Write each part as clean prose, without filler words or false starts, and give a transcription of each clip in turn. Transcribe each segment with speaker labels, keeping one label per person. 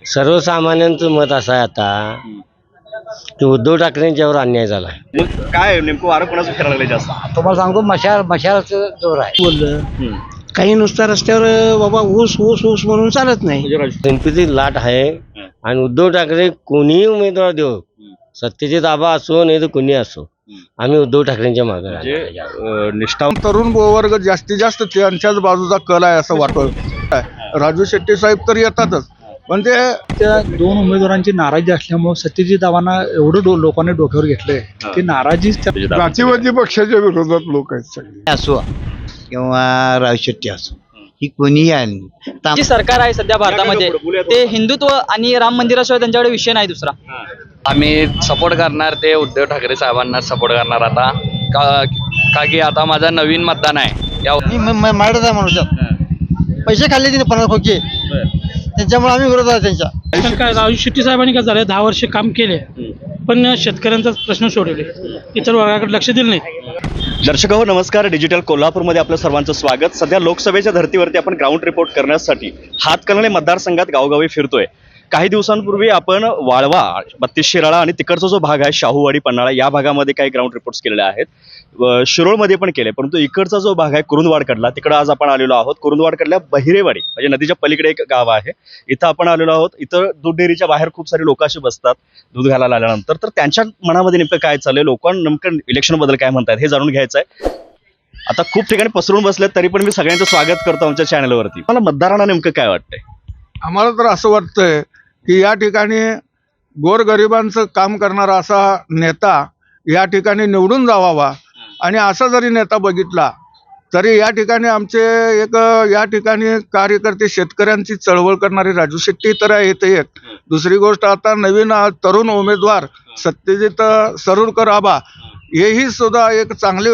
Speaker 1: सर्वसामान्यांचं मत असं आहे आता की उद्धव ठाकरेंच्यावर अन्याय झाला.
Speaker 2: मग काय नेमकं वारं कोणाचं फिरायला लागलं जास्त?
Speaker 1: तुम्हाला सांगतो मशालचं जोर आहे.
Speaker 3: बोललं काही नुसता रस्त्यावर बाबा ऊस ऊस ऊस म्हणून चालत नाही.
Speaker 2: म्हणजे राजू
Speaker 1: गणपती लाट आहे आणि उद्धव ठाकरे कोणीही उमेदवार देऊ, सत्तेचे ताबा असो नाही तर कोणी असो, आम्ही उद्धव ठाकरेंच्या मागे
Speaker 2: म्हणजे
Speaker 1: राहणार.
Speaker 2: निष्ठावंत
Speaker 4: तरुण वर्ग जास्तीत जास्त त्यांच्याच बाजूचा कल आहे असं वाटतं. राजू शेट्टी साहेब तर येतातच, पण ते
Speaker 5: त्या दोन उमेदवारांची नाराजी असल्यामुळे सत्यजित दावांना एवढं लोकांनी डोक्यावर घेतलंय की नाराजीच त्या-
Speaker 4: जातीवादी पक्षाच्या विरोधात लोक आहेत सगळे.
Speaker 3: असो किंवा राजू शेट्टी असो, ही कोणीही आली
Speaker 6: जी सरकार आहे सध्या भारतामध्ये ते हिंदुत्व आणि राम मंदिराशिवाय त्यांच्याकडे विषय नाही दुसरा.
Speaker 7: आम्ही सपोर्ट करणार ते उद्धव ठाकरे साहेबांना सपोर्ट करणार आता का की आता माझा नवीन मतदान आहे या
Speaker 3: मराठा माणूस पैसे खाल्ले तिने 50 खोके, त्याच्यामुळे आम्ही विरोध आहे त्यांच्या.
Speaker 5: काय राजू शेट्टी साहेबांनी काय झालं 10 वर्ष काम केले पण शेतकऱ्यांचा प्रश्न सोडवले, इतर वर्गाकडे लक्ष दिलं नाही.
Speaker 2: दर्शक हो नमस्कार. डिजिटल कोल्हापूरमध्ये आपलं सर्वांचं स्वागत. सध्या लोकसभेच्या धर्तीवरती आपण ग्राउंड रिपोर्ट करण्यासाठी हातकणंगले मतदारसंघात गावोगावी फिरतोय. काही दिवसांपूर्वी आपण वाळवा, 32 शिराळा आणि तिकडचा जो भाग आहे शाहूवाडी पन्हाळा या भागामध्ये काही ग्राउंड रिपोर्ट्स केलेले आहेत. शिरोळमध्ये पण केले, परंतु इकडचा जो भाग आहे कुरुंदवाडकडला तिकडं आज आपण आलेलो आहोत. कुरुंदवाडकडल्या बहिरेवाडी म्हणजे नदीच्या पलीकडे एक गाव आहे, इथं आपण आलेलो आहोत. इथं दूध डेअरीच्या बाहेर खूप सारे लोक असे बसतात दूध घालायला आल्यानंतर. तर त्यांच्या मनामध्ये नेमकं काय चाललंय, लोकांना नेमकं इलेक्शनबद्दल काय म्हणतात हे जाणून घ्यायचं आहे. आता खूप ठिकाणी पसरून बसलेत तरी पण मी सगळ्यांचं स्वागत करतो आमच्या चॅनलवरती. मला मतदारांना नेमकं काय वाटतंय?
Speaker 4: आम्हाला तर असं वाटतंय की या ठिकाणी गोरगरिबांचं काम करणारा असा नेता या ठिकाणी निवडून जावावा. आणि असा जरी नेता बघितला तरी या ठिकाणी आमचे एक या ठिकाणी कार्यकर्ते शेतकऱ्यांची चळवळ करणारे राजू शेट्टी तर आहेत एक. दुसरी गोष्ट आता नवीन तरुण उमेदवार सत्यजित सरुरकर आबा हेही सुद्धा एक चांगले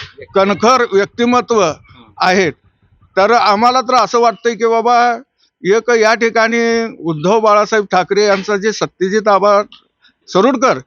Speaker 4: कणखर व्यक्तिमत्व आहेत. तर आम्हाला तर असं वाटतंय की बाबा एक या ठिकाणी उद्धव बाळासाहेब ठाकरे यांचा जे सत्यजित आबा सरुरकर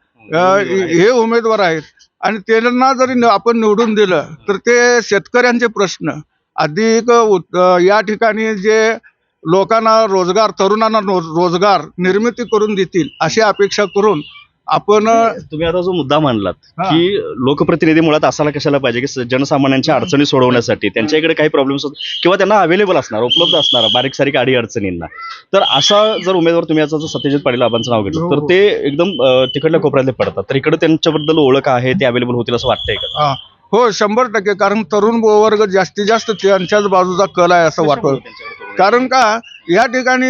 Speaker 4: हे उमेदवार आहेत आणि त्यांना जरी आपण निवडून दिलं तर ते शेतकऱ्यांचे प्रश्न अधिक या ठिकाणी जे लोकांना रोजगार, तरुणांना रोजगार निर्मिती करून देतील अशी अपेक्षा करून आपण
Speaker 2: तुम्ही आता जो मुद्दा मांडलात की लोकप्रतिनिधी मुळात असायला कशाला पाहिजे की जनसामान्यांच्या अडचणी सोडवण्यासाठी त्यांच्या इकडे काही प्रॉब्लेम्स किंवा त्यांना अवेलेबल असणार, उपलब्ध असणार बारीक सारीक अडी अडचणींना. तर असा जर उमेदवार तुम्ही याचा सत्यजित पाटील आबांचं नाव घेतलं तर ते एकदम तिकडल्या कोपऱ्यातले पडतात, तर इकडे त्यांच्याबद्दल ओळख आहे, ते अवेलेबल होतील असं वाटतंय का?
Speaker 4: हो 100%. कारण तरुण वर्ग जास्तीत जास्त त्यांच्याच बाजूचा कल आहे असं वाटतं. कारण का या ठिकाणी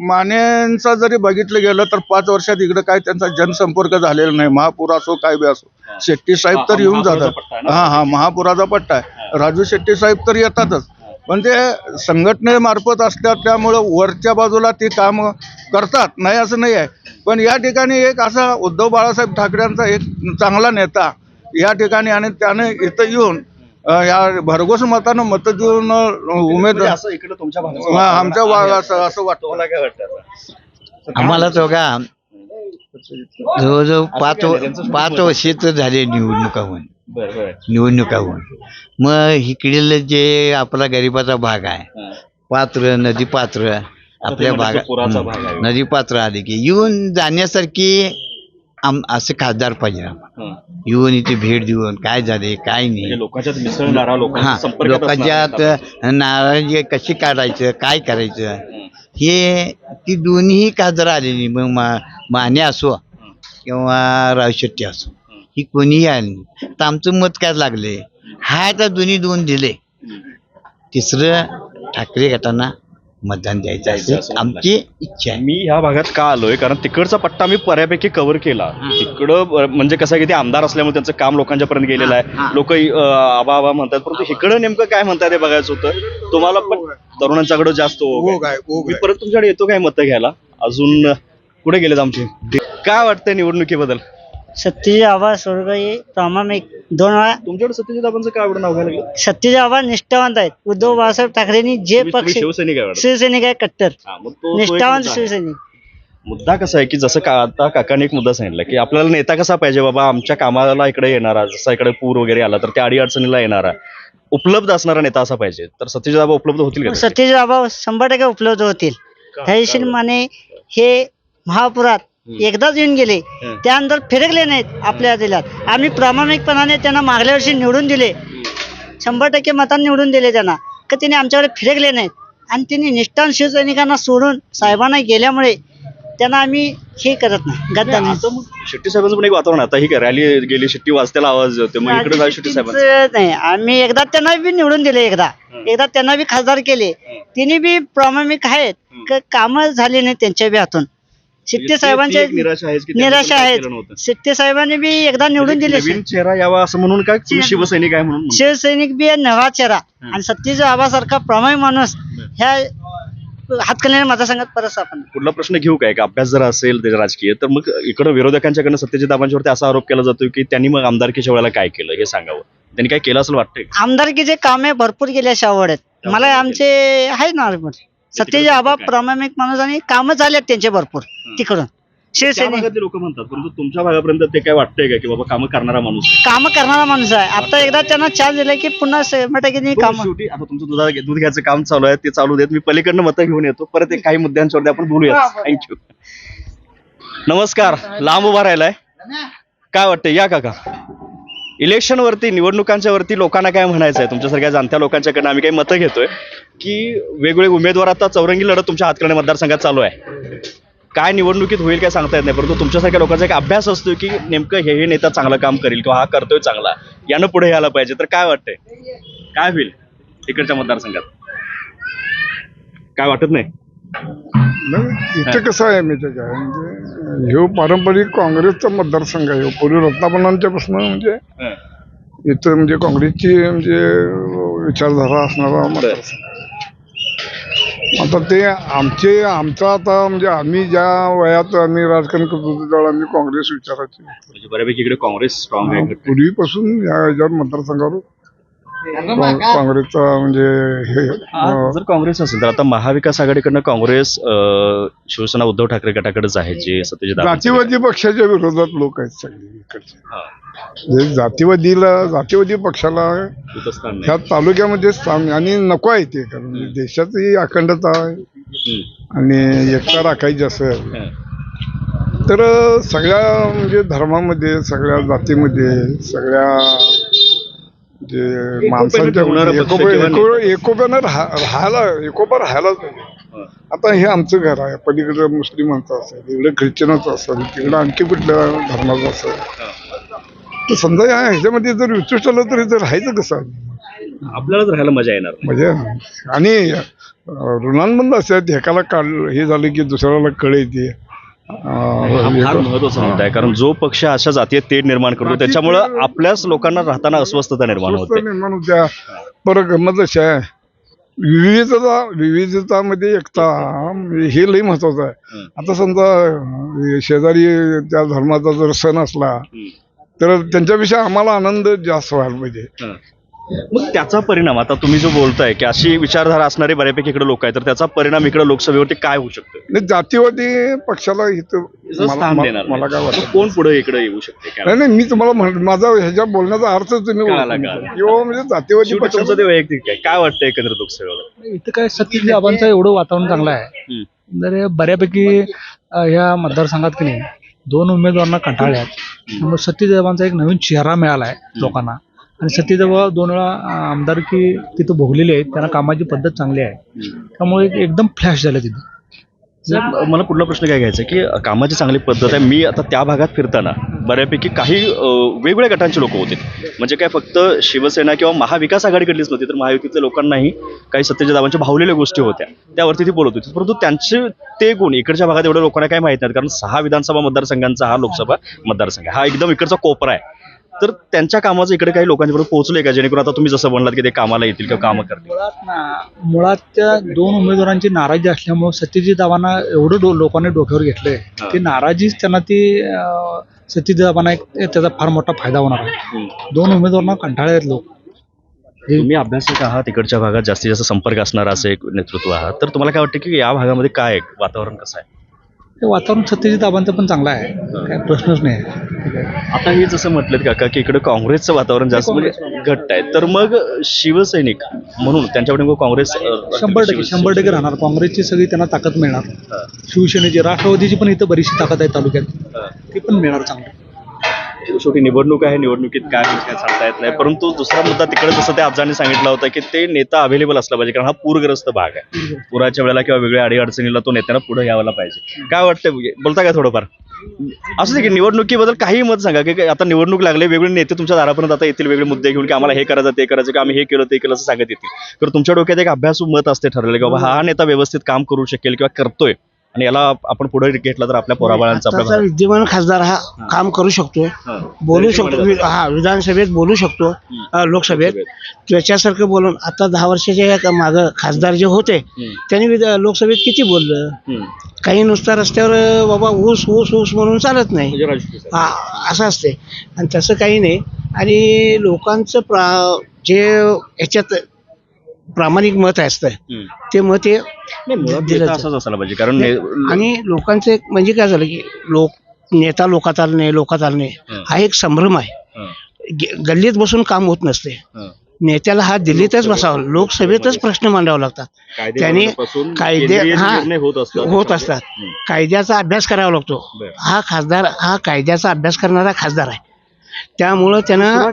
Speaker 4: मानेंचा जरी बघितलं गेलं तर 5 वर्षात इकडे काय त्यांचा जनसंपर्क झालेला नाही. महापूर असो काय बी असो, शेट्टी साहेब तर येऊन जातात. महापुराचा पट्टा आहे. राजू शेट्टी साहेब तर येतातच, पण ते संघटनेमार्फत असतात त्यामुळं वरच्या बाजूला ते काम करतात, नाही असं नाही आहे. पण या ठिकाणी एक असा उद्धव बाळासाहेब ठाकरेंचा एक चांगला नेता या ठिकाणी आणि त्याने इथं येऊन या भरघोस मतानं मत देऊन उमेदवार
Speaker 2: असं इकडे तुमच्या
Speaker 4: आमच्या असं वाटतं.
Speaker 2: मला काय वाटतं?
Speaker 3: आम्हाला तो का जवळजवळ 5 वर्ष तर झाले निवडणुका होऊन. मग इकडील जे आपला गरिबाचा भाग आहे, पात्र नदी पात्र आपल्या भागात नदी पात्र आले की येऊन जाण्यासारखी असं खासदार पाहिजे आम्हाला. येऊन इथे भेट देऊन काय झाले काय नाही,
Speaker 2: लोकांच्यात मिसळणारा,
Speaker 3: लोकांच्यात नाराजी कशी काढायचं काय करायचं हे ती दोन्ही खासदार आलेली. मग माने असो किंवा राजू शेट्टी असो, ही कोणीही आली नाही. तर आमचं मत काय लागले हा तर दोन्ही 2 दिले, तिसरं ठाकरे गटांना मतदान द्यायचं असेल आमची इच्छा आहे.
Speaker 2: मी ह्या भागात का आलोय कारण तिकडचा पट्टा मी बऱ्यापैकी कव्हर केला. तिकडं म्हणजे कसं आहे की ते आमदार असल्यामुळे त्यांचं काम लोकांच्या पर्यंत गेलेलं आहे. लोक आबा आबा म्हणतात, परंतु इकडं नेमकं काय म्हणतात हे बघायचं होतं. तुम्हाला पण तरुणांच्याकडे जास्त मी परत तुमच्याकडे येतो काय मतं घ्यायला. अजून कुठे गेलेत आमचे? काय वाटतंय निवडणुकीबद्दल?
Speaker 8: सत्यजित आबा स्वर्गीय प्रामाणिक 2 वेळा.
Speaker 2: तुमच्याकडे सत्यजित आबांचं काय आवडून नाव घ्यायला लागलं?
Speaker 8: सत्यजित आबा निष्ठावंत आहेत. उद्धव बाळासाहेब ठाकरेंनी जे पक्ष
Speaker 2: शिवसैनिक आहे.
Speaker 8: शिवसैनिक आहे कट्टर
Speaker 2: मग तो
Speaker 8: निष्ठावंत शिवसैनिक.
Speaker 2: मुद्दा कसा आहे की जसं आता काकांनी एक मुद्दा सांगितला की आपल्याला नेता कसा पाहिजे बाबा, आमच्या कामाला इकडे येणारा, जसा इकडे पूर वगैरे आला तर त्या अडी अडचणीला येणारा उपलब्ध असणारा नेता असा पाहिजे. तर सत्यजित आबा उपलब्ध होतील का?
Speaker 8: सत्यजित आबा 100% उपलब्ध होतील. तहसील माने हे महापुरात एकदाच येऊन गेले, त्यानंतर फिरकले नाहीत आपल्या जिल्ह्यात. आम्ही प्रामाणिकपणाने त्यांना मागल्या वर्षी निवडून दिले, 100% मतांनी निवडून दिले त्यांना, का त्यांनी आमच्याकडे फिरकले नाहीत. आणि त्यांनी निष्ठावंत शिवसैनिकांना सोडून साहेबांना गेल्यामुळे त्यांना आम्ही हे करत नाही, गद्दार नाही.
Speaker 2: आता मग शेट्टी साहेबांचं पण एक वातावरण आता ही रॅली गेली, शेट्टी वाजत्याला आवाज होते, मग इकडे जाऊ शेट्टी साहेबांचं
Speaker 8: शेट्टीचं नाही, आम्ही एकदा त्यांना बी निवडून दिले, एकदा त्यांना बी खासदार केले. तिने बी प्रामाणिक आहेत, कामं झाली नाही त्यांच्या बी हातून. शेट्टी साहेबांचे
Speaker 2: निराशा आहेच की त्यांनी
Speaker 8: निराशा
Speaker 2: पण काय
Speaker 8: आहेत.
Speaker 2: केलं नव्हतं.
Speaker 8: शेट्टी साहेबांनी बी एकदा निवडून दिले.
Speaker 2: नवीन चेहरा यावा असं म्हणून काय तुम्ही शिवसैनिक आहे म्हणून
Speaker 8: शिवसैनिक बी आहे, नवा चेहरा आणि सतीश बाबासारखा प्रामाणिक माणूस ह्या हातकणंगले मतदारसंघात परत आपण.
Speaker 2: पुढला प्रश्न घेऊ काय का अभ्यास जर असेल त्याचा राजकीय, तर मग इकडे विरोधकांच्याकडनं सत्यजित बाबांच्यावरती असा आरोप केला जातो की त्यांनी मग आमदारकीच्या वेळेला काय केलं हे सांगावं, त्यांनी काय केलं असं वाटतंय?
Speaker 8: आमदारकीचे कामे भरपूर गेल्या शावडत मला आमचे आहे ना सतीश बाबा प्रामाणिक माणूस आणि कामं झालेत त्यांचे भरपूर तिकडून.
Speaker 2: त्या
Speaker 8: शिवसैनिक
Speaker 2: भागातले लोक म्हणतात, परंतु तुमच्या भागापर्यंत ते काय वाटतंय का की बाबा कामं करणारा माणूस आहे?
Speaker 8: कामं करणारा माणूस आहे. आता एकदा त्यांना चान्स दिला की पुन्हा 100% काम.
Speaker 2: शेवटी आता तुमचं दूध घ्यायचं काम चालू आहे, ते चालू देत, मी पलीकडनं मतं घेऊन येतो, परत एक काही मुद्द्यांच्यावरती आपण बोलूया. थँक्यू. नमस्कार. लांब उभा राहिलाय, काय वाटतंय? या काका. इलेक्शन वरती, निवडणुकांच्या वरती लोकांना काय म्हणायचं आहे? तुमच्यासारख्या जाणत्या लोकांच्याकडनं आम्ही काही मतं घेतोय की वेगवेगळे उमेदवार, आता चौरंगी लढत तुमच्या हातकणंगले मतदारसंघात चालू आहे. काय निवडणुकीत होईल काय सांगता येत नाही, परंतु तुमच्यासारख्या लोकांचा एक अभ्यास असतो की नेमकं हे नेता चांगलं काम करेल किंवा हा करतोय चांगला, यानं पुढे यायला पाहिजे. तर काय वाटतंय, काय होईल इकडच्या मतदारसंघात? काय वाटत नाही?
Speaker 4: इथे कसं आहे माहिती आहे का, म्हणजे ह्यो पारंपरिक काँग्रेसचा मतदारसंघ आहे. पूर्वी रत्नापणांच्या पासून म्हणजे इथं म्हणजे काँग्रेसची म्हणजे विचारधारा असणारा मतदारसंघ. आता ते आमचा आता म्हणजे आम्ही ज्या वयात आम्ही राजकारण करत होतो त्यावेळेला आम्ही काँग्रेस विचारायचे.
Speaker 2: म्हणजे बऱ्यापैकी इकडे काँग्रेस स्ट्रॉंग आहे.
Speaker 4: पूर्वीपासून या ह्याच्यावर मतदारसंघावर काँग्रेसचा म्हणजे हे
Speaker 2: जर काँग्रेस असेल तर आता महाविकास आघाडीकडनं काँग्रेस, शिवसेना उद्धव ठाकरे गटाकडेच आहे, जे सत्यजित
Speaker 4: जातीवादी पक्षाच्या विरोधात लोक आहेत सगळे इकडचे. म्हणजे जातीवादी पक्षाला ह्या तालुक्यामध्ये स्थान आणि नको आहे ते, कारण देशाची अखंडता आहे आणि एकता राखायची असेल तर सगळ्या म्हणजे धर्मामध्ये, सगळ्या जातीमध्ये, सगळ्या म्हणजे माणसांच्या एकोप्यानं एकोपा राहायलाच पाहिजे. आता हे आमचं घर आहे, पलीकडे मुस्लिमांचं असेल, इकडे ख्रिश्चनाचं असेल, तिकडे आणखी कुठल्या धर्माचं असेल, तर समजा ह्याच्यामध्ये जर विचिष्ट आलं तरी तर राहायचं कसं आहे?
Speaker 2: आपल्यालाच राहायला मजा येणार
Speaker 4: म्हणजे आणि ऋणांबंद असतात, एकाला हे झालं की दुसऱ्याला कळ येते.
Speaker 2: फार महत्वाचा मुद्दा आहे, कारण जो पक्ष अशा जातीय तेढ निर्माण करतो त्याच्यामुळं आपल्याच लोकांना राहताना अस्वस्थता निर्माण होते.
Speaker 4: परत गंमत अशी आहे, विविधतामध्ये एकता हे लई महत्वाचं आहे. आता समजा शेजारी त्या धर्माचा जर सण असला तर त्यांच्याविषयी आम्हाला आनंद जास्त व्हायला पाहिजे.
Speaker 2: मग त्याचा परिणाम, आता तुम्ही जो बोलताय की अशी विचारधारा असणारे बऱ्यापैकी इकडे लोक आहेत, तर त्याचा परिणाम इकडे लोकसभेवरती काय होऊ शकतो?
Speaker 4: जातीवादी पक्षाला इथं मला काय वाटतं,
Speaker 2: कोण पुढे इकडे येऊ शकते?
Speaker 4: नाही मी तुम्हाला माझा ह्याच्या बोलण्याचा अर्थ तुम्ही किंवा म्हणजे जातीवादी पक्षाचं
Speaker 2: ते वैयक्तिक काय वाटतं एकंदरीत लोकसभेला?
Speaker 5: इथं काय सतीश बाबांचं एवढं वातावरण चांगलं आहे, तर बऱ्यापैकी ह्या मतदारसंघात की नाही 2 उमेदवारांना कंटाळले आहेत. त्यामुळे सतीश बाबांचा एक नवीन चेहरा मिळाला आहे लोकांना, आणि सतीश बाबा 2 वेळा आमदारकी तिथं भोगलेली आहे, त्यांना कामाची पद्धत चांगली आहे, त्यामुळे एकदम फ्लॅश झालं तिथे.
Speaker 2: मला पुढला प्रश्न काय घ्यायचा की कामाची चांगली पद्धत आहे. मी आता त्या भागात फिरताना बऱ्यापैकी काही वेगवेगळ्या गटांचे लोक होते, म्हणजे काय फक्त शिवसेना किंवा महाविकास आघाडीकडलीच नव्हती, तर महायुतीतल्या लोकांनाही काही सत्यजित बाबांच्या भावलेल्या गोष्टी होत्या, त्यावरती ती बोलत होती. परंतु त्यांचे ते गुण इकडच्या भागात एवढ्या लोकांना काय माहित नाहीत, कारण 6 विधानसभा मतदारसंघांचा हा लोकसभा मतदारसंघ हा एकदम इकडचा कोपरा आहे. तर त्यांच्या कामाचं इकडे काही लोकांच्याबरोबर पोहोचलंय का, जेणेकरून आता तुम्ही जसं म्हणलात की ते कामाला येतील किंवा कामं करतील?
Speaker 5: मुळात त्या 2 उमेदवारांची नाराजी असल्यामुळे सत्यजित बाबांना एवढं लोकांनी डोक्यावर घेतलंय, ती नाराजीच त्यांना ती सत्यजित बाबांना त्याचा फार मोठा फायदा होणार आहे. 2 उमेदवारांना कंटाळे आहेत लोक.
Speaker 2: तुम्ही अभ्यासक आहात, इकडच्या भागात जास्तीत जास्त संपर्क असणारा असं एक नेतृत्व आहात, तर तुम्हाला काय वाटतं की या भागामध्ये काय वातावरण कसं आहे?
Speaker 5: हे वातावरण सत्यजित आबांचं पण चांगलं आहे, काय प्रश्नच नाही आहे.
Speaker 2: आता हे जसं म्हटलं काका की इकडे काँग्रेसचं वातावरण जास्त म्हणजे घट्ट आहे, तर मग शिवसैनिक म्हणून त्यांच्याकडे काँग्रेस
Speaker 5: 100% राहणार. काँग्रेसची सगळी त्यांना ताकद मिळणार, शिवसेनेची, राष्ट्रवादीची पण इथं बरीचशी ताकद आहे तालुक्यात, ती पण मिळणार चांगली.
Speaker 2: शेवटी निवडणूक आहे, निवडणुकीत काय होईल काय सांगता येत नाही. परंतु दुसरा मुद्दा तिकडे जसं त्या आजाने सांगितलं होतं की ते नेता अवेलेबल असला पाहिजे, कारण हा पूरग्रस्त भाग आहे. पुराच्या वेळेला किंवा वेगळ्या अडीअडचणीला तो नेत्यांना पुढे यायला पाहिजे. काय वाटतं, बोलता काय थोडंफार असं की निवडणुकीबद्दल काही मत सांगा की आता निवडणूक लागले, वेगळे नेते तुमच्या दारापर्यंत आता येतील वेगळे मुद्दे घेऊन की आम्हाला हे करायचं ते करायचं, की आम्ही हे केलं ते केलं असं सांगत येतील. तर तुमच्या डोक्यात एक अभ्यासू मत असते ठरलेलं की बाबा हा नेता व्यवस्थित काम करू शकेल किंवा करतोय आणि याला आपण पुढे घेतला तर आपल्या पोराबाळांचा
Speaker 9: आताचा विद्यमान खासदार हा काम करू शकतो, बोलू शकतो, हा विधानसभेत बोलू शकतो, लोकसभेत त्याच्यासारखं बोलून. आता 10 वर्षाच्या मागं खासदार जे होते त्यांनी लोकसभेत किती बोललं. काही नुसता रस्त्यावर बाबा ऊस ऊस ऊस म्हणून चालत नाही, हा असं असते. आणि तसं काही नाही. आणि लोकांचं जे याच्यात प्रामाणिक मत असतं ते मत हे दिलं जातं.
Speaker 2: असंच असायला पाहिजे, कारण
Speaker 9: आणि लोकांचं एक म्हणजे काय झालं की नेता लोकात आलणे हा एक संभ्रम आहे. गल्लीत बसून काम होत नसते. नेत्याला हा दिल्लीतच बसावा, लोकसभेतच प्रश्न मांडावे लागतात. त्याने कायदे होत असतात. कायद्याचा अभ्यास करावा लागतो. हा खासदार हा कायद्याचा अभ्यास करणारा खासदार आहे. त्यामुळं त्यानं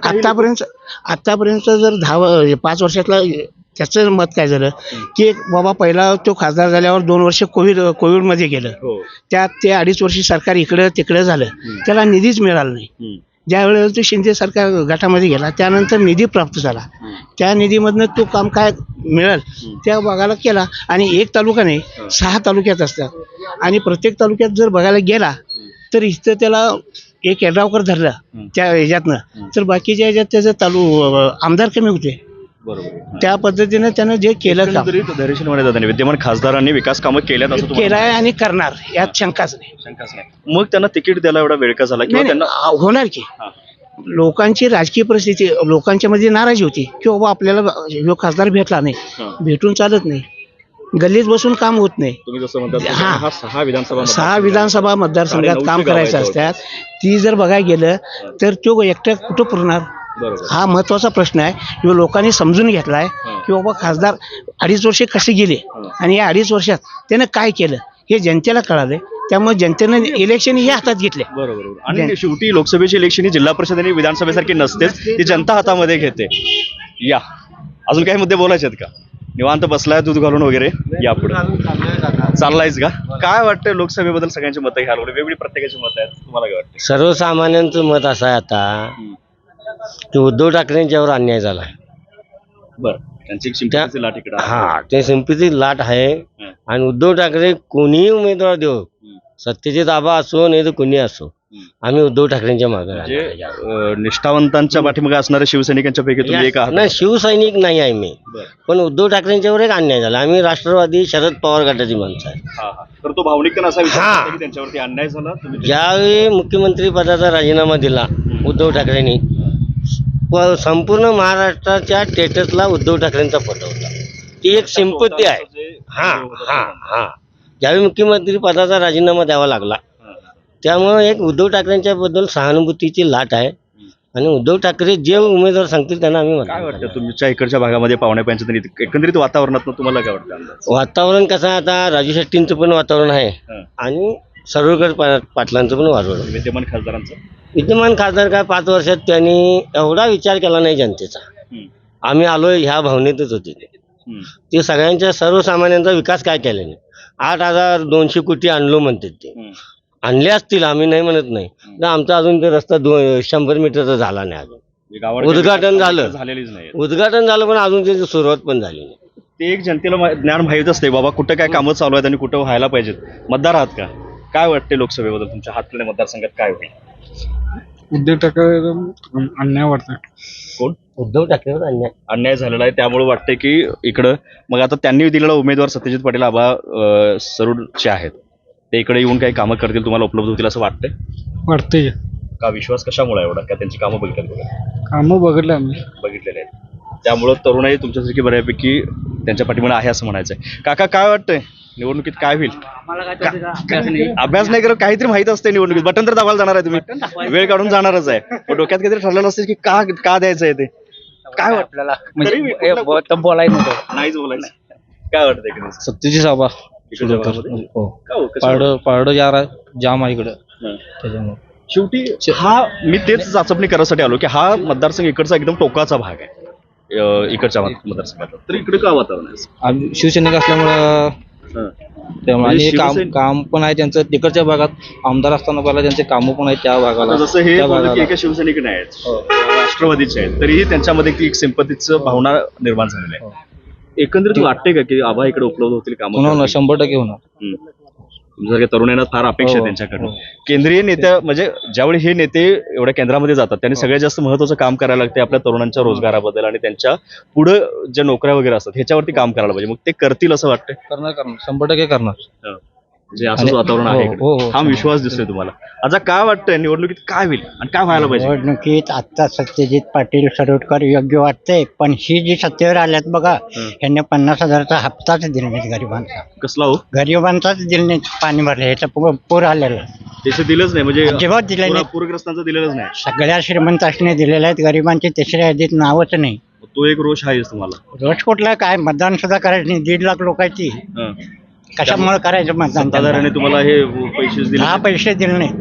Speaker 9: आतापर्यंत जर 5 वर्षातला त्याचं मत काय झालं की बाबा पहिला तो खासदार झाल्यावर 2 वर्ष कोविडमध्ये गेलं. त्यात ते 2.5 वर्ष सरकार इकडं तिकडं झालं, त्याला निधीच मिळाला नाही. ज्या वेळेला तो शिंदे सरकार गटामध्ये गेला त्यानंतर निधी प्राप्त झाला. त्या निधीमधनं तो काम काय मिळेल त्या भागाला केला. आणि एक तालुका नाही 6 तालुक्यात असतात आणि प्रत्येक तालुक्यात जर बघायला गेला तर इथं त्याला एक यड्रावकर धरला त्या ह्याच्यातनं, तर बाकीच्या ह्याच्यात त्याचं आमदार कमी होते. त्या पद्धतीनं त्यानं जे केलं काम
Speaker 2: विद्यमान खासदारांनी विकास कामं केल्यात असं
Speaker 9: केलं आहे आणि करणार यात शंकाच नाही.
Speaker 2: मग त्यांना तिकीट द्यायला एवढा वेळ का झाला किंवा त्यांना
Speaker 9: होणार की लोकांची राजकीय परिस्थिती लोकांच्या मध्ये नाराजी होती की बाबा आपल्याला खासदार भेटला नाही, भेटून चालत नाही, गल्लीत बसून काम होत नाही.
Speaker 2: तुम्ही जसं म्हणतात
Speaker 9: 6 विधानसभा मतदारसंघात काम करायचं असतात. ती जर बघायला गेलं तर तो एकटा कुठं पुरणार, हा महत्वाचा प्रश्न आहे. किंवा लोकांनी समजून घेतलाय की बाबा खासदार 2.5 वर्षे कसे गेले आणि या 2.5 वर्षात त्यानं काय केलं हे जनतेला कळालंय. त्यामुळे जनतेनं इलेक्शन हे हातात घेतले.
Speaker 2: बरोबर. आणि शेवटी लोकसभेची इलेक्शन ही जिल्हा परिषद आणि विधानसभेसारखी नसतेच, ती जनता हातामध्ये घेते. या अजून काही मुद्दे बोलायचे आहेत का? निवांत बसलाय दूध घालून वगैरे, या पुढे चाललायच का? काय वाटतं लोकसभेबद्दल सगळ्यांची मतं घ्यायला वेगवेगळी प्रत्येकाची मतं आहेत, तुम्हाला काय वाटतं?
Speaker 1: सर्वसामान्यांचं मत असं आहे आता की उद्धव ठाकरेंच्यावर अन्याय झाला.
Speaker 2: बरं, त्यांची शिंपीची लाट इकडे
Speaker 1: हा ते संपत्ती लाट आहे. आणि उद्धव ठाकरे कोणीही उमेदवार देऊ, सत्यजित आबा असो नाही तर कोणी असो, आम्ही उद्धव ठाकरेंच्या मागे
Speaker 2: निष्ठावंतांच्या पाठीमागे असणाऱ्या शिवसैनिकांच्या पैकी तुम्ही एक आहात.
Speaker 1: नाही, शिवसैनिक नाही आहे मी, पण उद्धव ठाकरेंच्यावर एक अन्याय झाला. आम्ही राष्ट्रवादी शरद पवार गटाची माणसं आहे.
Speaker 2: तर तो भावनिक असा विचार की त्यांच्यावरती अन्याय झाला.
Speaker 1: ज्यावेळी मुख्यमंत्री पदाचा राजीनामा दिला उद्धव ठाकरेंनी, संपूर्ण महाराष्ट्राच्या स्टेटसला उद्धव ठाकरेंचा फोटो होता. ती एक सिंपत्ती आहे. हा ज्यावेळी मुख्यमंत्री पदाचा राजीनामा द्यावा लागला त्यामुळे एक उद्धव ठाकरेंच्या बद्दल सहानुभूतीची लाट आहे. आणि उद्धव ठाकरे जे उमेदवार सांगतील त्यांना आम्ही
Speaker 2: काय वाटतं तुमच्या इकडच्या भागामध्ये पाहुण्या पंचायत एकंदरीत वातावरणात तुम्हाला काय वाटतं?
Speaker 1: वातावरण कसं आहे आता, राजू शेट्टींचं पण वातावरण आहे आणि सर्वकर पाटलांचं पण वातावरण.
Speaker 2: विद्यमान खासदारांचं
Speaker 1: विद्यमान खासदार काय 5 वर्षात त्यांनी एवढा विचार केला नाही जनतेचा. आम्ही आलोय ह्या भावनेतच होते ते सगळ्यांच्या सर्वसामान्यांचा विकास काय केला नाही. 8,200 कोटी आणलो म्हणतात ते, आणले असतील आम्ही नाही म्हणत नाही. तर आमचा अजून ते रस्ता 100 मीटरचा झाला नाही. अजून उद्घाटन झालं पण अजून त्याची सुरुवात पण झाली नाही.
Speaker 2: ते एक जनतेला ज्ञान माहीत असते बाबा कुठं काय कामं चालू आहेत आणि कुठं व्हायला पाहिजेत. मतदार आहात का? काय वाटते लोकसभेबद्दल तुमच्या हातकर्णी मतदारसंघात काय होईल?
Speaker 5: उद्धव ठाकरे अन्याय वाटतं.
Speaker 2: कोण?
Speaker 1: उद्धव ठाकरेवर
Speaker 2: अन्याय झालेला आहे त्यामुळे वाटते की इकडं मग आता त्यांनी दिलेला उमेदवार सत्यजित पाटील आबा सरूडचे आहेत, ते इकडे येऊन काही कामं करतील, तुम्हाला उपलब्ध होतील असं
Speaker 5: वाटतंय.
Speaker 2: का विश्वास कशामुळे एवढा? का त्यांची कामं बघितली?
Speaker 5: कामं बघितले आम्ही,
Speaker 2: बघितलेले आहेत त्यामुळं तरुणाई तुमच्यासारखी बऱ्यापैकी त्यांच्या पाठीमागे आहे असं म्हणायचंय. काका काय वाटतंय निवडणुकीत काय होईल? अभ्यास नाही करत, काहीतरी माहित असते निवडणुकीत. बटन तर दाबायला जाणार आहे तुम्ही, वेळ काढून जाणारच आहे. पण डोक्यात काहीतरी ठरलेलं असतं की का द्यायचं आहे ते. काय
Speaker 5: आपल्याला
Speaker 2: तरी बी कुठलं-
Speaker 5: बोलायचं नव्हतं.
Speaker 2: नाहीच बोलायचं. काय वाटतं एकंदरीत?
Speaker 5: सत्तेची सभा
Speaker 2: इकडच्या भागामध्ये? का हो? कशामुळे?
Speaker 5: पारडं जाम आहे इकडं
Speaker 2: हं.
Speaker 5: त्याच्यामुळे.
Speaker 2: शेवटी हा मी तेच चाचपणी करायसाठी आलो की हा मतदारसंघ इकडचा एकदम टोकाचा भाग आहे इकडच्या मतदारसंघाचा. तर इकडे का वातावरण आहे?
Speaker 5: आम्ही शिवसैनिक असल्यामुळं
Speaker 2: हं.
Speaker 5: त्यामुळे
Speaker 2: म्हणजे
Speaker 5: आणि
Speaker 2: शिवसेना-
Speaker 5: काम पण आहे त्यांचं तिकडच्या भागात. आमदार असताना पहिला त्यांचे कामं पण आहेत त्या भागाला.
Speaker 2: आता जसं हे
Speaker 5: त्या
Speaker 2: बोललं की
Speaker 5: भागाला.
Speaker 2: एका शिवसैनिक नाही आहेत, राष्ट्रवादीचे आहेत, तरीही त्यांच्यामध्ये ती एक सिंपतीचं भावना निर्माण झालेली आहे. एकंदरीत वाटते का की आबा इकडे उपलब्ध होतील
Speaker 5: होणार ना,
Speaker 2: कामं?
Speaker 5: 100% होणार.
Speaker 2: तुमच्यासारख्या तरुणांना फार अपेक्षा आहे त्यांच्याकडून.
Speaker 5: हो.
Speaker 2: केंद्रीय नेत्या म्हणजे ज्यावेळी हे नेते एवढ्या केंद्रामध्ये जातात त्यांनी सगळ्यात जास्त महत्त्वाचं काम करायला लागते आपल्या तरुणांच्या रोजगाराबद्दल आणि त्यांच्या पुढे ज्या नोकऱ्या वगैरे असतात ह्याच्यावरती काम करायला पाहिजे. मग ते करतील असं वाटतंय?
Speaker 5: करणार 100% करणार.
Speaker 2: म्हणजे असंच
Speaker 5: आणि-
Speaker 2: वातावरण आहे
Speaker 5: हो,
Speaker 2: इकडे.
Speaker 5: हो, हो.
Speaker 2: हा विश्वास दिसतोय तुम्हाला. आता काय वाटतंय निवडणुकीत काय होईल आणि काय व्हायला पाहिजे?
Speaker 8: निवडणुकीत आता सत्यजित पाटील सरोडकर योग्य वाटते, पण ही जी सत्तेवर आल्यात बघा, यांनी 50,000चा हप्ताच दिला नाहीत गरिबांचा.
Speaker 2: कसला हो?
Speaker 8: गरिबांचाच दिला नाही, पाणी भरले ह्याचा पूर आलेला
Speaker 2: त्याचं दिलंच नाही म्हणजे
Speaker 8: अजिबात दिलं नाही.
Speaker 2: पूरग्रस्तांचं दिलेलंच नाही.
Speaker 8: सगळ्या श्रीमंतांनी दिलेल्या आहेत, गरिबांची तिसऱ्या यादीत नावच नाही.
Speaker 2: तो एक रोष आहेच तुम्हाला.
Speaker 8: रोज कुठला काय मतदान सुद्धा करायचं नाही. 1.5 लाख लोकांची
Speaker 2: हं.
Speaker 8: कशामुळे करायचं मतदान?
Speaker 2: सत्ताधाऱ्याने तुम्हाला हे पैसे दिले?
Speaker 8: दहा पैसे दिले नाही.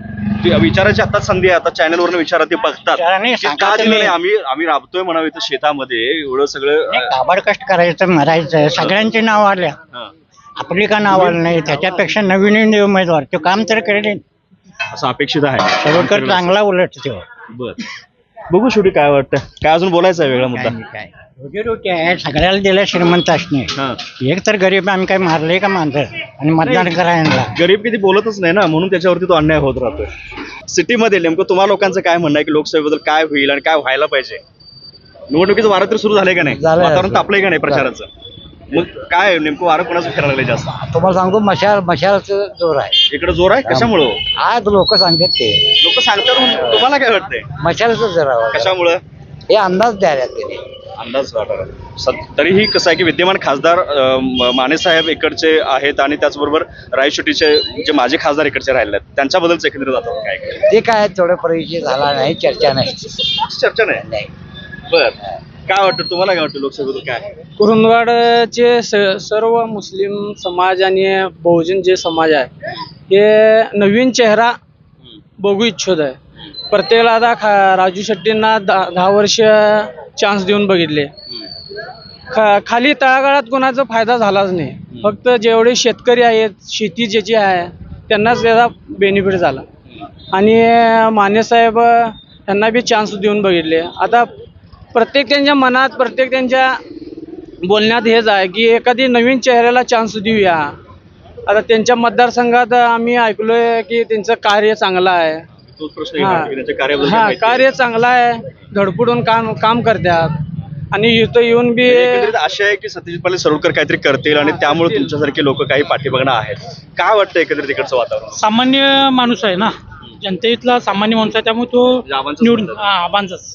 Speaker 2: ते विचारायची आता संधी आहे. आता चॅनलवरून विचारा, ते बघतात
Speaker 8: विचाराने
Speaker 2: की
Speaker 8: सांगा
Speaker 2: का दिलं
Speaker 8: तुम्ही.
Speaker 2: नाही. आम्ही राबतोय म्हणावं इथं शेतामध्ये एवढं सगळं.
Speaker 8: काबाड कष्ट करायचं, मरायचं, सगळ्यांची नाव आल्या,
Speaker 2: हं.
Speaker 8: आपली का नाव आलं नाही? त्याच्यापेक्षा नवीन उमेदवार तो काम तर करेल.
Speaker 2: असं अपेक्षित आहे.
Speaker 8: सरोडकर चांगला उलट तो.
Speaker 2: बर, बघू शेवटी काय वाटतं. काय अजून बोलायचं आहे वेगळा मुद्दा?
Speaker 8: काय रोजी आहे, सगळ्याला दिलं श्रीमंतासने.
Speaker 2: हं.
Speaker 8: एक तर गरीब आम्ही काय मारले का मांजर आणि मतदान करायला?
Speaker 2: गरीब किती बोलतच नाही ना, म्हणून त्याच्यावरती तो अन्याय होत राहतोय. सिटीमध्ये नेमकं तुम्हाला लोकांचं काय म्हणणं आहे की लोकसभेबद्दल काय होईल आणि काय व्हायला पाहिजे? निवडणुकीचं वारं तर सुरू झालंय का नाही?
Speaker 8: झालंय.
Speaker 2: वातावरण तापलंय का नाही प्रचाराचं? मग काय नेमकं वारं कोणाचं फिरायला लागलंय जास्त?
Speaker 8: तुम्हाला सांगतो, मशालचं जोर आहे.
Speaker 2: इकडे जोर आहे कशामुळं?
Speaker 8: आज लोक सांगतात ते
Speaker 2: लोक सांगतात म्हणून तुम्हाला काय वाटतंय?
Speaker 8: मशालचं जोर आहे.
Speaker 2: कशामुळं?
Speaker 8: हे अंदाज द्यायला त्याने.
Speaker 2: अंदाज तरीही कसं आहे की विद्यमान खासदार माने साहेब इकडचे आहेत आणि त्याचबरोबर रायशेट्टीचे जे माजी खासदार इकडचे राहिले आहेत त्यांच्याबद्दलच एकंदरीत जातात काय
Speaker 8: ते काय थोडं परिचय झाला नाही, चर्चा नाही.
Speaker 2: चर्चा नाही. बर, काय वाटतं तुम्हाला? काय वाटतं लोकसभेबद्दल काय?
Speaker 10: कुरुंदवाडचे सर्व मुस्लिम समाज आणि बहुजन जे समाज आहे हे नवीन चेहरा बघू इच्छित आहे. प्रत्येकाला आता राजू शेट्टींना 10 वर्ष चान्स देऊन बघितले. खाली तळागाळात कोणाचा फायदा झालाच नाही. फक्त जेवढे शेतकरी आहेत, शेती ज्याची आहे त्यांनाच त्याचा बेनिफिट झाला. आणि मानेसाहेब यांना बी चान्स देऊन बघितले. आता प्रत्येक त्यांच्या मनात, प्रत्येक त्यांच्या बोलण्यात हेच आहे की एखादी नवीन चेहऱ्याला चान्स देऊया. आता त्यांच्या मतदारसंघात आम्ही ऐकलोय की त्यांचं कार्य चांगलं आहे.
Speaker 2: तोच प्रश्न येणार की त्यांच्या कार्याबद्दल काय
Speaker 10: हा,
Speaker 2: माहिती आहे?
Speaker 10: कार्य चांगलं आहे, धडपडून काम करतात. आणि इथं येऊन बी
Speaker 2: एकंदरीत आशा आहे की सत्यजित पाटील सरोडकर काहीतरी करतील आणि त्यामुळे तुमच्यासारखे लोक काही पाठीमागणं आहेत. काय वाटतं एकंदरीत इकडचं वातावरण?
Speaker 5: सामान्य माणूस आहे ना, जनतेतला सामान्य माणूस आहे, त्यामुळे तो
Speaker 2: आबांचं
Speaker 5: निवडून
Speaker 2: समजा.
Speaker 5: आबांचाच.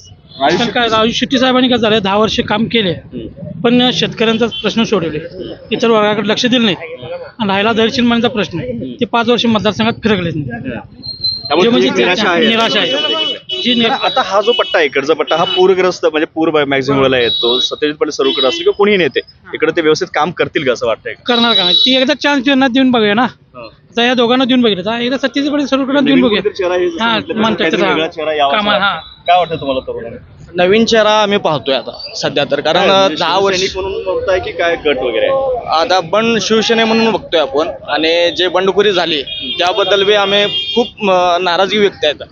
Speaker 5: राजू शेट्टी साहेबांनी काय झालं, 10 वर्ष काम केले पण शेतकऱ्यांचा प्रश्न सोडवले, इतर वर्गाकडे लक्ष दिलं नाही. आणि राहिला दरशिनमानीचा प्रश्न, ते 5 वर्ष मतदारसंघात फिरकलेच नाही.
Speaker 2: त्यामुळे
Speaker 5: म्हणजे
Speaker 2: तुमची निराशा आहे.
Speaker 5: निराशा आहे. जी
Speaker 2: आता हा जो पट्टा आहे, इकडचा पट्टा हा पूरग्रस्त म्हणजे पूर मॅक्झिमम वेळेला येतो. सत्यजित पाटील सरोडकर असतील किंवा कोणीही नेते इकडे ते व्यवस्थित काम करतील का असं वाटतंय?
Speaker 5: करणार का नाही, ती एकदा चान्स देऊन बघूया ना. आता या दोघांना देऊन बघितलं, आता एकदा सत्यजित पाटील सरोडकर देऊन
Speaker 2: नवीन
Speaker 5: बघूया.
Speaker 2: कोणीतरी चेहरा हे जसं
Speaker 5: हा,
Speaker 2: म्हटलं,
Speaker 5: म्हणतात
Speaker 2: काहीतरी
Speaker 5: तसं.
Speaker 2: वेगळा चेहरा यावा असं
Speaker 5: कामा- हा.
Speaker 2: वाटतं. काय वाटतं तुम्हाला तरुणांना?
Speaker 6: नवीन चेहरा आम्ही पाहतोय आता सध्या तर. कारण 10 वर्ष
Speaker 2: शिवसैनिक म्हणून बघताय की काय गट वगैरे आहे?
Speaker 6: आता बंड शिवसेने म्हणून बघतोय आपण. आणि जे बंडखोरी झाली त्याबद्दल बी आम्ही खूप नाराजगी व्यक्त आहेत.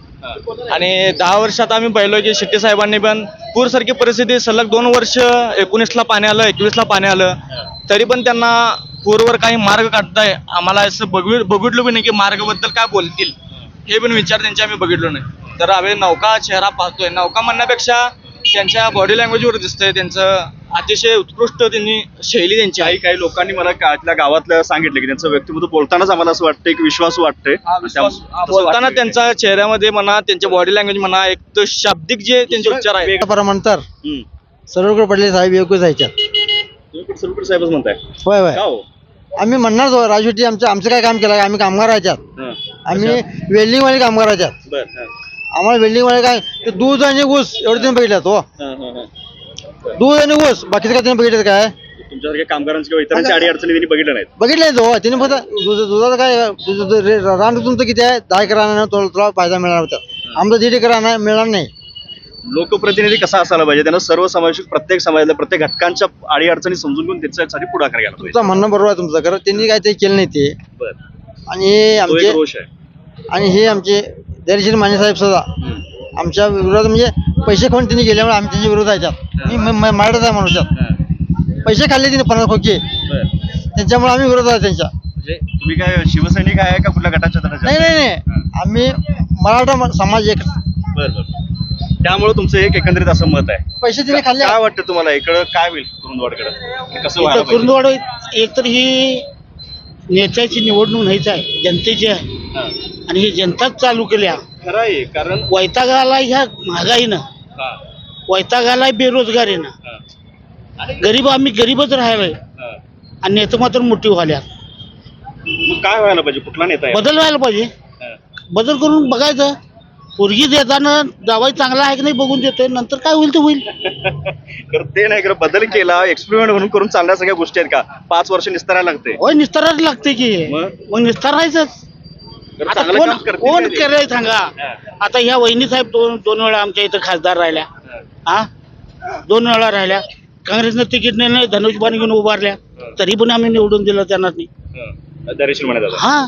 Speaker 6: आणि 10 वर्षात आम्ही पाहिलो की शेट्टी साहेबांनी पण पूरसारखी परिस्थिती सलग 2 वर्ष 19ला पाणी आलं, 21ला पाणी आलं, तरी पण त्यांना पूरवर काही मार्ग काढताय आम्हाला असं बघितलं पण नाही की मार्गाबद्दल काय बोलतील, हे पण विचार त्यांचे आम्ही बघितलो नाही. तर आम्ही नौका चेहरा पाहतोय. नौका म्हणण्यापेक्षा त्यांच्या बॉडी लँग्वेजवर दिसतंय त्यांचं अतिशय उत्कृष्ट त्यांनी शैली त्यांची आहे.
Speaker 2: काही लोकांनी मला आपल्या गावातल्या सांगितलं की त्यांचं व्यक्तिमत्व बोलतानाच आम्हाला असं वाटतंय की विश्वास वाटतंय.
Speaker 6: बोलताना त्यांच्या चेहऱ्यामध्ये म्हणा, त्यांच्या बॉडी लँग्वेज म्हणा, एक तर शाब्दिक जे त्यांचे उच्चार आहे.
Speaker 8: म्हणतात सरोडकर पडले साहेब योग्य जायच्यात.
Speaker 2: तुम्ही पण सलुकर साहेबच म्हणताय
Speaker 8: होय होय
Speaker 2: का हो?
Speaker 8: आम्ही म्हणणार राजू शेट्टी आमचं काय काम केलं आम्ही कामगार याच्यात
Speaker 2: हं.
Speaker 8: आम्ही वेल्डिंगवाले कामगार याच्यात
Speaker 2: बर हं.
Speaker 8: आम्हाला वेल्डिंगवाले काय ते दूध आणि ऊस एवढे तुम्ही बघितल्यात हो
Speaker 2: हं, हं, हं.
Speaker 8: दूध आणि ऊस बाकीचं काय तुम्ही बघितलं काय
Speaker 2: तुमच्यासारख्या कामगारांची किंवा इतरांची अडी अडचणी त्यांनी बघितल्या नाहीत.
Speaker 8: बघितलंय तो तिने फक्त दुधाचं काय रान तुमचं किती आहे 10 एकर रान आहे, तुला फायदा मिळणार होता आमचं 1.5 एकर रान आहे, मिळणार नाही.
Speaker 2: लोकप्रतिनिधी कसा असायला पाहिजे त्यांना सर्वसमावेशक प्रत्येक समाजातल्या प्रत्येक घटकांच्या अडी अडचणी समजून घेऊन त्याच्यासाठी पुढाकार घ्यायला पाहिजे.
Speaker 8: तुमचं म्हणणं बरोबर आहे तुमचं खरं त्यांनी काय ते केलं नाही ते
Speaker 2: बर
Speaker 8: आणि हे
Speaker 2: तो एक
Speaker 8: आमचे
Speaker 2: रोष आहे.
Speaker 8: आणि हे आमचे धैर्यशील माने साहेब सुद्धा आमच्या विरोधात म्हणजे पैसे खाऊन त्यांनी गेल्यामुळे आम्ही त्यांच्या विरोधात याच्यात मी मराठाच आहे माणूसात पैसे खाल्ले तिने 50 खोके
Speaker 2: बर
Speaker 8: त्यांच्यामुळे आम्ही विरोधात आहे त्यांच्या
Speaker 2: म्हणजे तुम्ही काय शिवसैनिक आहे का कुठल्या गटाच्या
Speaker 8: नाही नाही नाही आम्ही मराठा समाज एक
Speaker 2: बर बर त्यामुळे तुमचं एक एकंदरीत असं मत आहे.
Speaker 8: पैसे तिने खाल्ले
Speaker 2: काय वाटतं तुम्हाला इकडं काय होईल कुरुंदवाडकडे कसं व्हायला पाहिजे?
Speaker 9: कुरुंदवाड एक तर ही नेत्याची निवडणूक नाहीच आहे जनतेची आहे
Speaker 2: हां.
Speaker 9: आणि ही जनताच चालू केल्या
Speaker 2: खरं आहे कारण
Speaker 9: वैतागाला ह्या महागाईनं
Speaker 2: हां,
Speaker 9: वैतागाला बेरोजगारीनं
Speaker 2: हां,
Speaker 9: गरीब आम्ही गरीबच राहिलोय
Speaker 2: हां.
Speaker 9: आणि नेते मात्र मोठी व्हाल्या
Speaker 2: मग काय व्हायला पाहिजे कुठला नेता आहे?
Speaker 9: बदल व्हायला पाहिजे
Speaker 2: हां.
Speaker 9: बदल करून बघायचं पोरगी देताना जावाई चांगला आहे की नाही बघून देतोय नंतर काय होईल ते होईल
Speaker 2: तर ते नाही खरं बदल केला एक्सपेरिमेंट म्हणून करून चालण्या सगळ्या गोष्टी आहेत का 5 वर्ष निस्तारायला लागते
Speaker 9: होय निस्तारायला लागते की मग निस्तारायचंच
Speaker 2: तर
Speaker 9: आता
Speaker 2: चांगलं
Speaker 9: कोण
Speaker 2: काम करतील
Speaker 9: कोण
Speaker 2: काय ते?
Speaker 9: केलंय सांगा
Speaker 2: हां.
Speaker 9: आता ह्या वहिनी साहेब दोन वेळा आमच्या इथं खासदार राहिल्या
Speaker 2: हां.
Speaker 9: हा 2 वेळा राहिल्या काँग्रेसनं तिकीट नाही धनुष्यबाण घेऊन उभारल्या तरी पण आम्ही निवडून दिलं त्यांना
Speaker 2: हां. दरेशील म्हणे दादा
Speaker 9: हा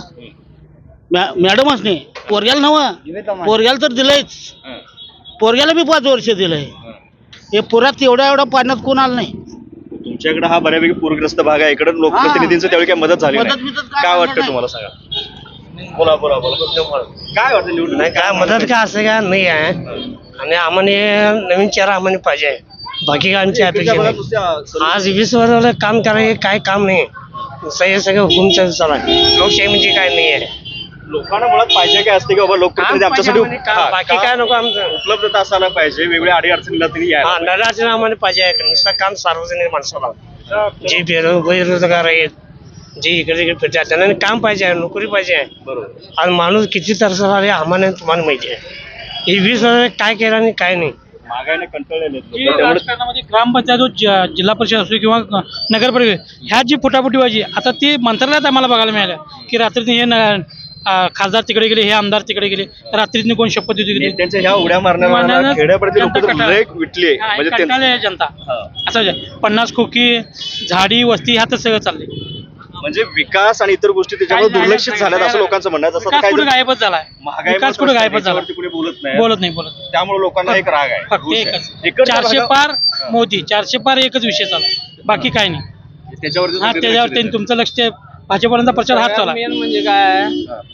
Speaker 9: मॅडमच नाही पोरग्याला नव्हं पोरग्याला तर दिलंयच
Speaker 2: हां.
Speaker 9: पोरग्याला बी 5 वर्ष दिलंय
Speaker 2: हां.
Speaker 9: हे पुरात एवढ्या पाण्यात कोण आलं नाही
Speaker 2: तुमच्याकडे हा बऱ्यापैकी पूरग्रस्त भाग आहे इकडे लोकप्रतिनिधींचं त्यावेळी काय मदत झाली
Speaker 9: मदत
Speaker 2: नाही.
Speaker 9: बिदत काय
Speaker 2: काय
Speaker 9: झालं
Speaker 2: वाटतं
Speaker 9: नाही.
Speaker 2: तुम्हाला सांगा बोला बोला बोला काय वाटतं निवडून
Speaker 1: नाही काय मदत काय असं काय नाही आहे आणि आम्हाला नवीन चेहरा आम्हाला पाहिजे बाकी काय आमची अपेक्षा नाही. आज 20 वर्षाला काम करायचं काय काम नाही सगळं हुकुमचं चालू आहे लोकशाही म्हणजे काय नाही आहे
Speaker 2: लोकांना मुळात पाहिजे काय असते की बाबा लोकप्रतिनिधी आमच्यासाठी
Speaker 1: बाकी काय नको आमचं
Speaker 2: उपलब्धता असायला पाहिजे वेगवेगळ्या अडी अडचणीला तरी यायला
Speaker 1: नराचं आम्हाला पाहिजे आहे नुसतं काम सार्वजनिक माणसाला जे बेरोजगार आहेत जे इकडे तिकडे फिरतात त्यांना काम पाहिजे आहे नोकरी पाहिजे आहे
Speaker 2: बरोबर
Speaker 1: आज माणूस किती तरसला आले आम्हाला तुम्हाला माहिती आहे हे 20 वर्ष काय केलं आणि काय नाही
Speaker 2: महागाईने कंटाळलेले आहेत
Speaker 10: जी
Speaker 2: लोकं. त्यामुळे
Speaker 10: राजकारणामध्ये ग्रामपंचायत जिल्हा परिषद असो किंवा नगर परिषद ह्या जी फुटाफुटी व्हायची आता ती मंत्रालयात आम्हाला बघायला मिळालं की रात्रीने हे खासदार तिकडे गेले हे आमदार तिकडे गेले रात्रीने कोण शपथ देतो गेले
Speaker 2: त्यांच्या ह्या उड्या मारणाऱ्या
Speaker 10: मारणाऱ्या
Speaker 2: खेड्यापर्यंत लोक
Speaker 10: जनता कंटाळली.
Speaker 2: लय विटली म्हणजे त्यांचं-
Speaker 10: कंटाळले जनता
Speaker 2: हां.
Speaker 10: असं 50 खोकी झाडी वस्ती ह्यातच सगळं चाललंय
Speaker 2: म्हणजे विकास आणि इतर गोष्टी त्याच्यामुळे
Speaker 10: काय
Speaker 2: दुर्लक्षित
Speaker 10: नाही,
Speaker 2: झाल्यात असं लोकांचं म्हणणं आहे. जसं
Speaker 10: विकास
Speaker 2: काय
Speaker 10: कुठे गायबच झालाय
Speaker 2: महागाई
Speaker 10: विकास कुठे गायबच झाला
Speaker 2: कुठे बोलत नाही
Speaker 10: बोलत नाही
Speaker 2: त्यामुळे लोकांना एक राग आहे
Speaker 10: फक्त
Speaker 2: रोष आहे.
Speaker 10: एकच
Speaker 2: इकडच्या
Speaker 10: 400
Speaker 2: भागात-
Speaker 10: पार मोदी 400 पार एकच विषय चालू बाकी काय नाही
Speaker 2: त्याच्यावरती
Speaker 10: हा त्याच्यावर त्यांनी तुमचं लक्ष भाजपपर्यंत प्रचार हात चालला
Speaker 6: मेन म्हणजे काय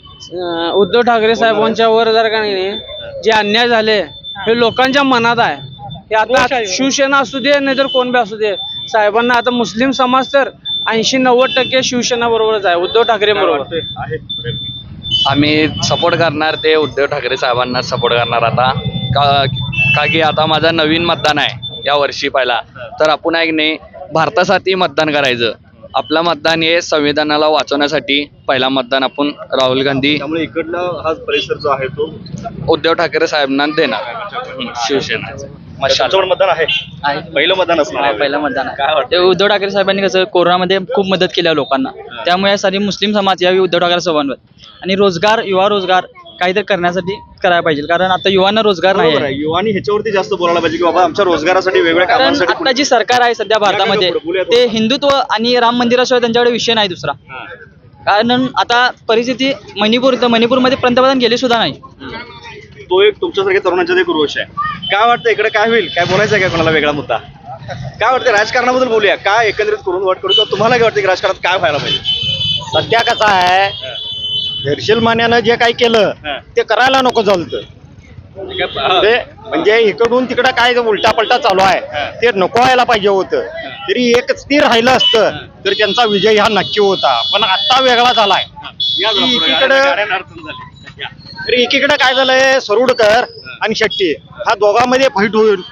Speaker 6: उद्धव ठाकरे साहेबांच्या वर जर का नाही जे अन्याय झाले हे लोकांच्या मनात आहे हे आता शिवसेना असू दे नाही तर कोण बी असू दे साहेबांना आता मुस्लिम समाज तर 80-90% शिवसेना बरोबरच आहे उद्धव ठाकरे बरोबर
Speaker 2: आहे
Speaker 7: आम्ही सपोर्ट करणार ते उद्धव ठाकरे साहेबांना सपोर्ट करणार आता का की आता माझा नवीन मतदान आहे या वर्षी पहिला तर आपण आहे की नाही भारतासाठी मतदान करायचं आपलं मतदान हे संविधानाला वाचवण्यासाठी पहिला मतदान आपण राहुल गांधी
Speaker 2: त्यामुळे इकडला हा परिसर जो आहे तो
Speaker 7: उद्धव ठाकरे साहेबांना देणार शिवसेना
Speaker 2: त्याच्यावर मतदान आहे पहिलं मतदान असणार आहे.
Speaker 11: पहिलं मतदान
Speaker 2: काय
Speaker 11: आहे
Speaker 2: वाटतं
Speaker 11: ते उद्धव ठाकरे साहेबांनी कसं कोरोनामध्ये खूप मदत केली लोकांना त्यामुळे यासाठी मुस्लिम समाज यावी उद्धव ठाकरे साहेबांवर आणि युवा रोजगार काहीतरी करण्यासाठी करायला पाहिजे कारण आता युवांना रोजगार नाही
Speaker 2: बरोबर
Speaker 11: आहे.
Speaker 2: आहे. युवानी ह्याच्यावरती जास्त बोलायला पाहिजे की बाबा आमच्या रोजगारासाठी वेगवेगळ्या
Speaker 11: कारण
Speaker 2: कामांसाठी
Speaker 11: आता जी सरकार आहे सध्या भारतामध्ये
Speaker 2: बोलूया
Speaker 11: ते हिंदुत्व आणि राम मंदिराशिवाय त्यांच्याकडे विषय नाही दुसरा
Speaker 2: हां.
Speaker 11: कारण आता परिस्थिती मणिपूरमध्ये पंतप्रधान गेले सुद्धा नाही
Speaker 2: तो एक तुमच्यासारख्या तरुणांच्यात एक रोष आहे काय वाटतं इकडे काय होईल काय बोलायचं आहे का कोणाला वेगळा मुद्दा काय वाटतं राजकारणाबद्दल बोलूया काय एकंदरीत करून वाट करू किंवा तुम्हाला काय वाटतं की राजकारणात काय व्हायला पाहिजे
Speaker 8: सध्या कसं आहे धैर्यशील मान्यानं जे काही केलं
Speaker 2: हां.
Speaker 8: ते करायला नको झालं ते म्हणजे इकडून तिकडं काय उलटा पलटा चालू आहे ते नको व्हायला पाहिजे होतं तरी एक स्थिर राहिलं असतं तर त्यांचा विजय हा नक्की होता पण आता वेगळा झालाय
Speaker 2: या जरा पुढे.
Speaker 8: एकीकडं-
Speaker 2: गाड्यांना अडचण झाली. या.
Speaker 8: तर एकीकडे काय झालंय सरुडकर आणि शेट्टी हा दोघांमध्ये फाईट होईल